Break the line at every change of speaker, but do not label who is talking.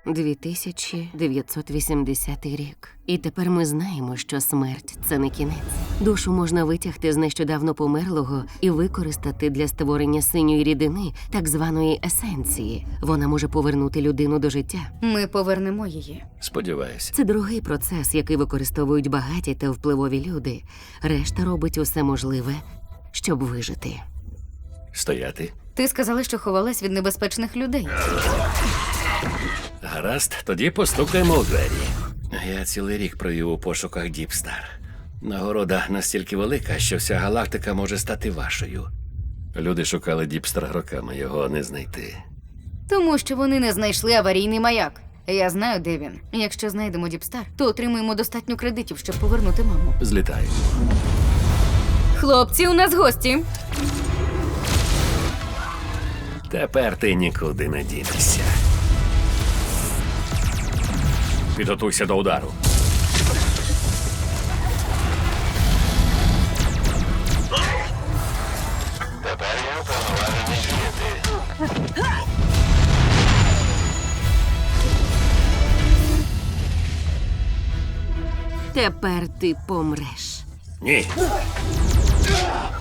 2980 рік. І тепер ми знаємо, що смерть – це не кінець. Душу можна витягти з нещодавно померлого і використати для створення синьої рідини, так званої есенції. Вона може повернути людину до життя.
Ми повернемо її.
Сподіваюся.
Це дорогий процес, який використовують багаті та впливові люди. Решта робить усе можливе, щоб вижити.
Стояти.
Ти сказала, що ховалась від небезпечних людей.
Гаразд, тоді постукаємо у двері. Я цілий рік провів у пошуках Діпстар. Нагорода настільки велика, що вся галактика може стати вашою. Люди шукали Діпстар роками, його не знайти.
Тому що вони не знайшли аварійний маяк. Я знаю, де він. Якщо знайдемо Діпстар, то отримаємо достатньо кредитів, щоб повернути маму.
Злітаємо.
Хлопці, у нас гості.
Тепер ти нікуди не дінешся. Підготуйся до удару. Тепер я уповноважений діяти.
Тепер ти помреш.
Ні.